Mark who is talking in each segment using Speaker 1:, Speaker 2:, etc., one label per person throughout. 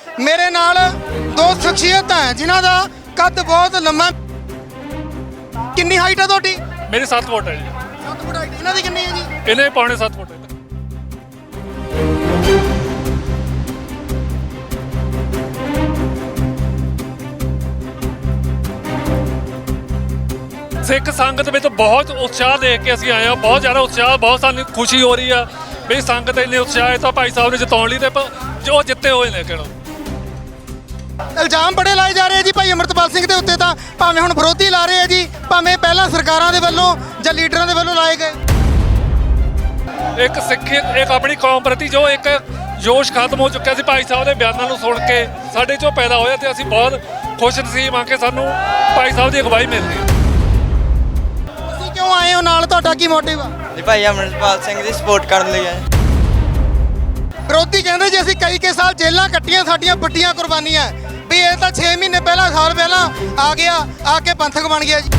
Speaker 1: ਮੇਰੇ ਨਾਲ ਦੋ ਸ਼ਖਸੀਅਤਾਂ ਹੈ ਜਿਨ੍ਹਾਂ ਦਾ ਕੱਦ ਬਹੁਤ ਲੰਮਾ। ਕਿੰਨੀ ਹਾਈਟ ਹੈ ਤੁਹਾਡੀ?
Speaker 2: ਮੇਰੀ 7 ਫੁੱਟ ਹੈ ਜੀ।
Speaker 1: 7 ਫੁੱਟ ਹਾਈਟ। ਇਹਨਾਂ ਦੀ ਕਿੰਨੀ ਹੈ ਜੀ?
Speaker 2: ਇਹਨੇ ਪੌਣੇ 7 ਫੁੱਟ ਹੈ। ਸਿੱਖ ਸੰਗਤ ਵਿੱਚ ਬਹੁਤ ਉਤਸ਼ਾਹ ਦੇਖ ਕੇ ਅਸੀਂ ਆਏ ਹਾਂ। ਬਹੁਤ ਜ਼ਿਆਦਾ ਉਤਸ਼ਾਹ, ਬਹੁਤ ਸਾਨੂੰ ਖੁਸ਼ੀ ਹੋ ਰਹੀ ਆ ਵੀ ਸੰਗਤ ਇੰਨੇ ਉਤਸ਼ਾਹ ਹੈ ਤਾਂ ਭਾਈ ਸਾਹਿਬ ਨੇ ਜਿਤਾਉਣ ਲਈ ਤੇ ਜੋ ਜਿੱਤੇ ਹੋਏ ਨੇ। ਕਿਹੜਾ
Speaker 1: ਇਲਜ਼ਾਮ ਬੜੇ ਲਾਏ ਜਾ ਰਹੇ ਆ ਜੀ ਭਾਈ ਅਮਰਤਪਾਲ ਸਿੰਘ ਦੇ ਉੱਤੇ, ਤਾਂ ਭਾਵੇਂ ਹੁਣ ਵਿਰੋਧੀ ਲਾ ਰਹੇ ਆ ਜੀ, ਭਾਵੇਂ ਪਹਿਲਾਂ ਸਰਕਾਰਾਂ ਦੇ ਵੱਲੋਂ ਜਾਂ ਲੀਡਰਾਂ ਦੇ ਵੱਲੋਂ ਲਾਏ ਗਏ।
Speaker 2: ਇੱਕ ਸਿੱਖ ਇੱਕ ਆਪਣੀ ਕੌਮ ਪ੍ਰਤੀ ਜੋ ਇੱਕ ਜੋਸ਼ ਖਤਮ ਹੋ ਚੁੱਕਿਆ ਸੀ ਭਾਈ ਸਾਹਿਬ ਦੇ ਬਿਆਨਾਂ ਨੂੰ ਸੁਣ ਕੇ ਸਾਡੇ 'ਚੋਂ ਪੈਦਾ ਹੋਇਆ ਤੇ ਅਸੀਂ ਬਹੁਤ ਖੁਸ਼ ਨਸੀਬ ਆ ਕੇ ਸਾਨੂੰ ਭਾਈ ਸਾਹਿਬ ਦੀ ਅਗਵਾਈ ਮਿਲ ਰਹੀ ਹੈ।
Speaker 1: ਤੁਸੀਂ ਕਿਉਂ ਆਏ ਹੋ ਨਾਲ? ਤੁਹਾਡਾ ਕੀ ਮੋਟਿਵ ਆ?
Speaker 3: ਜੀ ਭਾਈ ਅਮਰਪਾਲ ਸਿੰਘ ਦੀ ਸਪੋਰਟ ਕਰਨ ਲਈ ਆਏ।
Speaker 1: ਵਿਰੋਧੀ ਕਹਿੰਦੇ ਜੀ ਅਸੀਂ ਕਈ ਸਾਲ ਜੇਲ੍ਹਾਂ ਕੱਟੀਆਂ, ਸਾਡੀਆਂ ਵੱਡੀਆਂ ਕੁਰਬਾਨੀਆਂ ਵੀ ਇਹ ਤਾਂ 6 ਮਹੀਨੇ ਪਹਿਲਾਂ, ਸਾਲ ਪਹਿਲਾਂ ਆ ਗਿਆ, ਆ ਕੇ ਪੰਥਕ ਬਣ ਗਿਆ ਜੀ।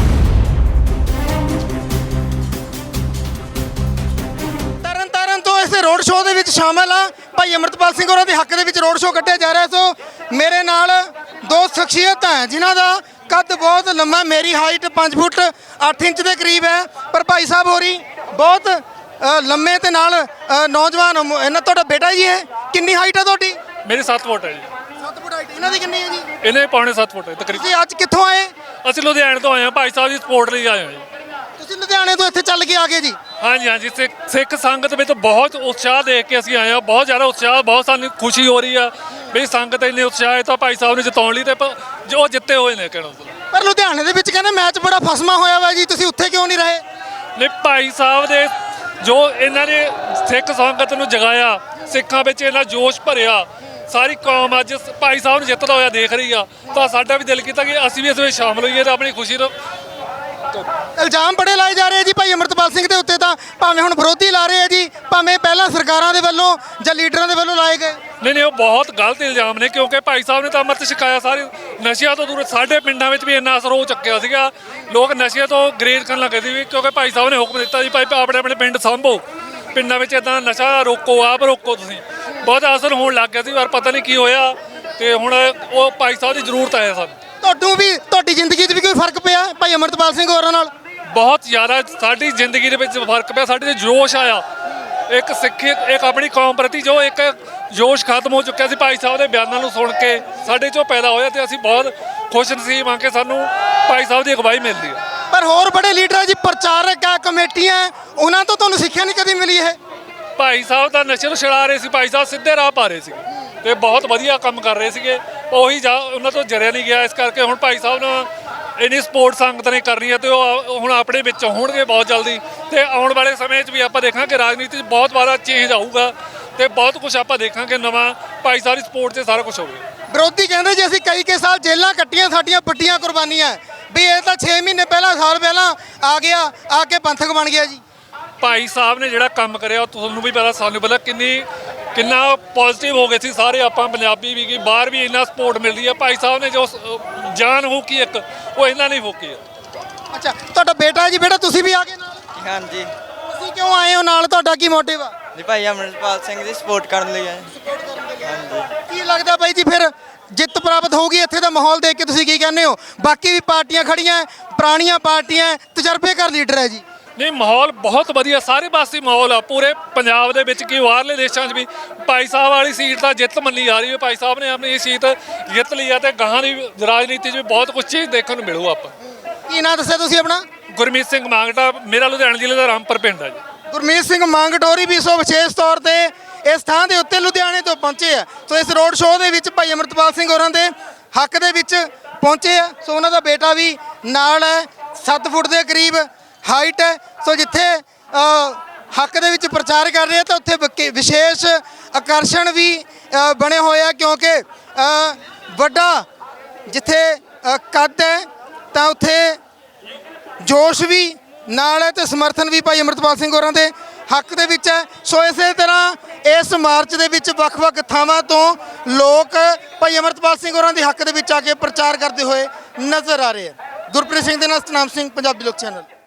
Speaker 1: ਤਰਨ ਤੋਂ ਇਸ ਰੋਡ ਸ਼ੋਅ ਦੇ ਵਿੱਚ ਸ਼ਾਮਲ ਆ ਭਾਈ ਅਮਰਤਪਾਲ ਸਿੰਘ ਹੋਰਾਂ ਦੇ ਹੱਕ ਦੇ ਵਿੱਚ ਰੋਡ ਸ਼ੋਅ ਕੱਢਿਆ ਜਾ ਰਿਹਾ। ਸੋ ਮੇਰੇ ਨਾਲ ਦੋ ਸ਼ਖਸੀਅਤਾਂ ਹੈ ਜਿਨ੍ਹਾਂ ਦਾ ਕੱਦ ਬਹੁਤ ਲੰਮਾ। ਮੇਰੀ ਹਾਈਟ 5 ਫੁੱਟ 8 ਇੰਚ ਦੇ ਕਰੀਬ ਹੈ, ਪਰ ਭਾਈ ਸਾਹਿਬ ਹੋਰੀ ਬਹੁਤ ਲੰਮੇ ਤੇ ਨਾਲ ਨੌਜਵਾਨ। ਇਹਨਾਂ ਤੁਹਾਡਾ ਬੇਟਾ ਜੀ ਹੈ? ਕਿੰਨੀ ਹਾਈਟ ਹੈ ਤੁਹਾਡੀ?
Speaker 2: ਮੇਰੀ 7 ਫੁੱਟ ਹੈ ਜੀ।
Speaker 1: 7 ਫੁੱਟ ਹਾਈਟ। ਇਹਨਾਂ ਦੀ ਕਿੰਨੀ ਹੈ ਜੀ?
Speaker 2: ਇਹਨੇ ਪੌਣੇ 7 ਫੁੱਟ ਹੈ ਤਕਰੀਬਨ।
Speaker 1: ਤੁਸੀਂ ਅੱਜ ਕਿੱਥੋਂ ਆਏ?
Speaker 2: ਅਸੀਂ ਲੁਧਿਆਣੇ ਤੋਂ ਆਏ ਹਾਂ, ਭਾਈ ਸਾਹਿਬ ਦੀ ਸਪੋਰਟ ਲਈ ਆਏ ਹਾਂ ਜੀ।
Speaker 1: ਤੁਸੀਂ ਲੁਧਿਆਣੇ ਤੋਂ ਇੱਥੇ ਚੱਲ ਕੇ ਆ ਗਏ ਜੀ?
Speaker 2: ਹਾਂਜੀ ਹਾਂਜੀ। ਸਿੱਖ ਸੰਗਤ ਵਿੱਚ ਬਹੁਤ ਉਤਸ਼ਾਹ ਦੇਖ ਕੇ ਅਸੀਂ ਆਏ ਹਾਂ। ਬਹੁਤ ਜ਼ਿਆਦਾ ਉਤਸ਼ਾਹ, ਬਹੁਤ ਸਾਨੂੰ ਖੁਸ਼ੀ ਹੋ ਰਹੀ ਆ ਵੀ ਸੰਗਤ ਇੰਨੇ ਉਤਸ਼ਾਹ ਹੈ ਤਾਂ ਭਾਈ ਸਾਹਿਬ ਨੇ ਜਿਤਾਉਣ ਲਈ ਤੇ ਜੋ ਜਿੱਤੇ ਹੋਏ ਨੇ। ਕਿਹੜਾ
Speaker 1: ਪਰ ਲੁਧਿਆਣੇ ਦੇ ਵਿੱਚ ਕਹਿੰਦੇ ਮੈਚ ਬੜਾ ਫਸਮਾ ਹੋਇਆ ਵਾ ਜੀ, ਤੁਸੀਂ ਉੱਥੇ ਕਿਉਂ ਨਹੀਂ ਰਹੇ?
Speaker 2: ਨਹੀਂ, ਭਾਈ ਸਾਹਿਬ ਦੇ ਜੋ ਇਹਨਾਂ ਨੇ ਸਿੱਖ ਸੰਗਤ ਨੂੰ ਜਗਾਇਆ, ਸਿੱਖਾਂ ਵਿੱਚ ਇਹਨਾਂ ਜੋਸ਼ ਭਰਿਆ, ਸਾਰੀ ਕੌਮ ਅੱਜ ਭਾਈ ਸਾਹਿਬ ਨੂੰ ਜਿੱਤਦਾ ਹੋਇਆ ਦੇਖ ਰਹੀ ਆ, ਤਾਂ ਸਾਡਾ ਵੀ ਦਿਲ ਕੀਤਾ ਕਿ ਅਸੀਂ ਵੀ ਇਸ ਵਿੱਚ ਸ਼ਾਮਲ ਹੋਈਏ ਤਾਂ ਆਪਣੀ ਖੁਸ਼ੀ ਨੂੰ।
Speaker 1: ਇਲਜ਼ਾਮ ਬੜੇ ਲਾਏ ਜਾ ਰਹੇ ਆ ਜੀ ਭਾਈ ਅਮਰਤਪਾਲ ਸਿੰਘ ਦੇ ਉੱਤੇ, ਤਾਂ ਭਾਵੇਂ ਹੁਣ ਵਿਰੋਧੀ ਲਾ ਰਹੇ ਆ ਜੀ, ਭਾਵੇਂ ਪਹਿਲਾਂ ਸਰਕਾਰਾਂ ਦੇ ਵੱਲੋਂ ਜਾਂ ਲੀਡਰਾਂ ਦੇ ਵੱਲੋਂ ਲਾਏ ਗਏ।
Speaker 2: ਨਹੀਂ, ਉਹ ਬਹੁਤ ਗਲਤ ਇਲਜ਼ਾਮ ਨੇ, ਕਿਉਂਕਿ ਭਾਈ ਸਾਹਿਬ ਨੇ ਤਾਂ ਅੰਮ੍ਰਿਤ ਛਕਾਇਆ। ਸਾਰੇ ਨਸ਼ਿਆਂ ਤੋਂ ਦੂਰ, ਸਾਡੇ ਪਿੰਡਾਂ ਵਿੱਚ ਵੀ ਇੰਨਾ ਅਸਰ ਹੋ ਚੁੱਕਿਆ ਸੀਗਾ, ਲੋਕ ਨਸ਼ਿਆਂ ਤੋਂ ਗਰੇਜ਼ ਕਰਨ ਲੱਗੇ ਸੀ ਕਿਉਂਕਿ ਭਾਈ ਸਾਹਿਬ ਨੇ ਹੁਕਮ ਦਿੱਤਾ ਜੀ ਭਾਈ ਆਪਣੇ ਆਪਣੇ ਪਿੰਡ ਸਾਂਭੋ, ਪਿੰਡਾਂ ਵਿੱਚ ਇਦਾਂ ਨਸ਼ਾ ਰੋਕੋ, ਆਪ ਰੋਕੋ। ਤੁਸੀਂ ਬਹੁਤ ਅਸਰ ਹੋਣ ਲੱਗ ਗਿਆ ਸੀ, ਪਰ ਪਤਾ ਨਹੀਂ ਕੀ ਹੋਇਆ ਤੇ ਹੁਣ ਉਹ ਭਾਈ ਸਾਹਿਬ ਦੀ ਜ਼ਰੂਰਤ ਹੈ ਸਾਨੂੰ।
Speaker 1: ਤੁਹਾਨੂੰ ਵੀ, ਤੁਹਾਡੀ ਜ਼ਿੰਦਗੀ 'ਚ ਵੀ ਕੋਈ ਫਰਕ ਪਿਆ ਭਾਈ ਅਮਰਤਪਾਲ ਸਿੰਘ ਹੋਰਾਂ ਨਾਲ?
Speaker 2: ਬਹੁਤ ਜ਼ਿਆਦਾ ਸਾਡੀ ਜ਼ਿੰਦਗੀ ਦੇ ਵਿੱਚ ਫਰਕ ਪਿਆ, ਸਾਡੇ 'ਚ ਜੋਸ਼ ਆਇਆ। ਇੱਕ ਸਿੱਖ ਇੱਕ ਆਪਣੀ ਕੌਮ ਪ੍ਰਤੀ ਜੋ ਇੱਕ ਜੋਸ਼ ਖਤਮ ਹੋ ਚੁੱਕਿਆ ਸੀ ਭਾਈ ਸਾਹਿਬ ਦੇ ਬਿਆਨਾਂ ਨੂੰ ਸੁਣ ਕੇ ਸਾਡੇ 'ਚੋਂ ਪੈਦਾ ਹੋਇਆ ਤੇ ਅਸੀਂ ਬਹੁਤ ਖੁਸ਼ ਨਸੀਬ ਆ ਕੇ ਸਾਨੂੰ ਭਾਈ ਸਾਹਿਬ ਦੀ ਅਗਵਾਈ ਮਿਲਦੀ ਹੈ।
Speaker 1: ਪਰ ਹੋਰ ਬੜੇ ਲੀਡਰ ਜੀ, ਪ੍ਰਚਾਰਕ ਆ, ਕਮੇਟੀਆਂ, ਉਹਨਾਂ ਤੋਂ ਤੁਹਾਨੂੰ ਸਿੱਖਿਆ ਨਹੀਂ ਕਦੀ ਮਿਲੀ? ਇਹ
Speaker 2: ਭਾਈ ਸਾਹਿਬ ਤਾਂ ਨਸ਼ੇ ਨੂੰ ਛੁਡਾ ਰਹੇ ਸੀ, ਭਾਈ ਸਾਹਿਬ ਸਿੱਧੇ ਰਾਹ ਪਾ ਰਹੇ ਸੀਗੇ ਤੇ ਬਹੁਤ ਵਧੀਆ ਕੰਮ ਕਰ ਰਹੇ ਸੀਗੇ। ਉਹੀ ਉਹਨਾਂ ਤੋਂ ਜਰਿਆ ਨਹੀਂ ਗਿਆ, ਇਸ ਕਰਕੇ ਹੁਣ ਭਾਈ ਸਾਹਿਬ ਨੂੰ ਇੰਨੀ ਸਪੋਰਟ ਸੰਗਤ ਨੇ ਕਰਨੀ ਹੈ ਤੇ ਉਹ ਹੁਣ ਆਪਣੇ ਵਿੱਚ ਹੋਣਗੇ ਬਹੁਤ ਜਲਦੀ। ਤੇ ਆਉਣ ਵਾਲੇ ਸਮੇਂ 'ਚ ਵੀ ਆਪਾਂ ਦੇਖਾਂਗੇ ਰਾਜਨੀਤੀ 'ਚ ਬਹੁਤ ਵਾਰਾ ਚੇਂਜ ਆਊਗਾ ਤੇ ਬਹੁਤ ਕੁਝ ਆਪਾਂ ਦੇਖਾਂਗੇ ਨਵਾਂ। ਭਾਈ ਸਾਹਿਬ ਦੀ ਸਪੋਰਟ 'ਤੇ ਸਾਰਾ ਕੁਝ ਹੋਵੇ।
Speaker 1: ਵਿਰੋਧੀ ਕਹਿੰਦੇ ਜੀ ਅਸੀਂ ਕਈ ਸਾਲ ਜੇਲ੍ਹਾਂ ਕੱਟੀਆਂ, ਸਾਡੀਆਂ ਵੱਡੀਆਂ ਕੁਰਬਾਨੀਆਂ ਵੀ ਇਹ ਤਾਂ 6 ਮਹੀਨੇ ਪਹਿਲਾਂ, ਸਾਲ ਪਹਿਲਾਂ ਆ ਗਿਆ, ਆ ਕੇ ਪੰਥਕ ਬਣ ਗਿਆ ਜੀ।
Speaker 2: ਭਾਈ ਸਾਹਿਬ ਨੇ ਜਿਹੜਾ ਕੰਮ ਕਰਿਆ ਉਹ ਤੁਹਾਨੂੰ ਵੀ ਪਤਾ, ਸਾਨੂੰ ਪਤਾ ਕਿੰਨਾ ਪੋਜ਼ਿਟਿਵ ਹੋ ਗਏ ਸੀ ਸਾਰੇ ਆਪਾਂ ਪੰਜਾਬੀ ਵੀ, ਕਿ ਬਾਹਰ ਵੀ ਇੰਨਾ ਸਪੋਰਟ ਮਿਲ ਰਹੀ ਹੈ। ਭਾਈ ਸਾਹਿਬ ਨੇ ਜੋ ਜਾਨ ਫੂਕੀ ਇੱਕ, ਉਹ ਇਹਨਾਂ ਨੇ ਫੂਕੀ ਹੈ।
Speaker 1: ਅੱਛਾ, ਤੁਹਾਡਾ ਬੇਟਾ ਜੀ? ਬੇਟਾ ਤੁਸੀਂ ਵੀ ਆ ਗਏ ਨਾਲ?
Speaker 3: ਹਾਂਜੀ।
Speaker 1: ਤੁਸੀਂ ਕਿਉਂ ਆਏ ਹੋ ਨਾਲ? ਤੁਹਾਡਾ ਕੀ ਮੋਟਿਵ ਆ?
Speaker 3: ਜੀ ਭਾਈ ਅਮਰਪਾਲ ਸਿੰਘ ਦੀ ਸਪੋਰਟ ਕਰਨ ਲਈ ਆਏ।
Speaker 1: ਕੀ ਲੱਗਦਾ ਬਾਈ ਜੀ ਫਿਰ ਜਿੱਤ ਪ੍ਰਾਪਤ ਹੋਊਗੀ? ਇੱਥੇ ਦਾ ਮਾਹੌਲ ਦੇਖ ਕੇ ਤੁਸੀਂ ਕੀ ਕਹਿੰਦੇ ਹੋ? ਬਾਕੀ ਵੀ ਪਾਰਟੀਆਂ ਖੜੀਆਂ, ਪੁਰਾਣੀਆਂ ਪਾਰਟੀਆਂ, ਤਜਰਬੇਕਾਰ ਲੀਡਰ ਹੈ ਜੀ।
Speaker 2: ਨਹੀਂ, ਮਾਹੌਲ ਬਹੁਤ ਵਧੀਆ, ਸਾਰੇ ਪਾਸੇ ਮਾਹੌਲ ਆ ਪੂਰੇ ਪੰਜਾਬ ਦੇ ਵਿੱਚ, ਕਿ ਬਾਹਰਲੇ ਦੇਸ਼ਾਂ 'ਚ ਵੀ ਭਾਈ ਸਾਹਿਬ ਵਾਲੀ ਸੀਟ ਤਾਂ ਜਿੱਤ ਮੰਨੀ ਜਾ ਰਹੀ ਹੈ। ਭਾਈ ਸਾਹਿਬ ਨੇ ਆਪਣੀ ਇਹ ਸੀਟ ਜਿੱਤ ਲਈ ਆ ਤੇ ਗਾਹਾਂ ਦੀ ਰਾਜਨੀਤੀ 'ਚ ਵੀ ਬਹੁਤ ਕੁਝ ਚੀਜ਼ ਦੇਖਣ ਨੂੰ ਮਿਲੂ। ਆਪਾਂ
Speaker 1: ਕੀ ਨਾਂ ਦੱਸਿਆ ਤੁਸੀਂ ਆਪਣਾ?
Speaker 2: ਗੁਰਮੀਤ ਸਿੰਘ ਮਾਂਗਟਾ, ਮੇਰਾ ਲੁਧਿਆਣਾ ਜ਼ਿਲ੍ਹੇ ਦਾ ਰਾਮਪੁਰ ਪਿੰਡ ਹੈ ਜੀ।
Speaker 1: ਗੁਰਮੀਤ ਸਿੰਘ ਮੰਗਟੋਰੀ ਵੀ ਸੋ ਵਿਸ਼ੇਸ਼ ਤੌਰ ਤੇ ਇਸ ਥਾਂ ਦੇ ਉੱਤੇ ਲੁਧਿਆਣੇ ਤੋਂ ਪਹੁੰਚੇ ਆ। ਸੋ ਇਸ ਰੋਡ ਸ਼ੋਅ ਦੇ ਵਿੱਚ ਭਾਈ ਅਮਰਤਪਾਲ ਸਿੰਘ ਹੋਰਾਂ ਦੇ ਹੱਕ ਦੇ ਵਿੱਚ ਪਹੁੰਚੇ ਆ। ਸੋ ਉਹਨਾਂ ਦਾ ਬੇਟਾ ਵੀ ਨਾਲ ਹੈ, 7 ਫੁੱਟ ਦੇ ਕਰੀਬ ਹਾਈਟ ਹੈ। ਸੋ ਜਿੱਥੇ ਹੱਕ ਦੇ ਵਿੱਚ ਪ੍ਰਚਾਰ ਕਰ ਰਹੇ ਆ ਤਾਂ ਉੱਥੇ ਵਿਸ਼ੇਸ਼ ਆਕਰਸ਼ਣ ਵੀ ਬਣੇ ਹੋਏ ਆ, ਕਿਉਂਕਿ ਵੱਡਾ ਜਿੱਥੇ ਕੱਦ ਹੈ ਤਾਂ ਉੱਥੇ ਜੋਸ਼ ਵੀ ਨਾਲ ਹੈ ਤੇ ਸਮਰਥਨ ਵੀ ਭਾਈ ਅਮਰਤਪਾਲ ਸਿੰਘ ਹੋਰਾਂ ਦੇ ਹੱਕ ਦੇ ਵਿੱਚ ਹੈ। ਸੋ ਇਸੇ ਤਰ੍ਹਾਂ ਇਸ ਮਾਰਚ ਦੇ ਵਿੱਚ ਵੱਖ-ਵੱਖ ਥਾਵਾਂ ਤੋਂ ਲੋਕ ਭਾਈ ਅਮਰਤਪਾਲ ਸਿੰਘ ਹੋਰਾਂ ਦੇ ਹੱਕ ਦੇ ਵਿੱਚ ਆ ਕੇ ਪ੍ਰਚਾਰ ਕਰਦੇ ਹੋਏ ਨਜ਼ਰ ਆ ਰਹੇ ਆ। ਗੁਰਪ੍ਰੀਤ ਸਿੰਘ ਦੇ ਨਾਲ ਸਤਨਾਮ ਸਿੰਘ, ਪੰਜਾਬੀ ਲੋਕ ਚੈਨਲ।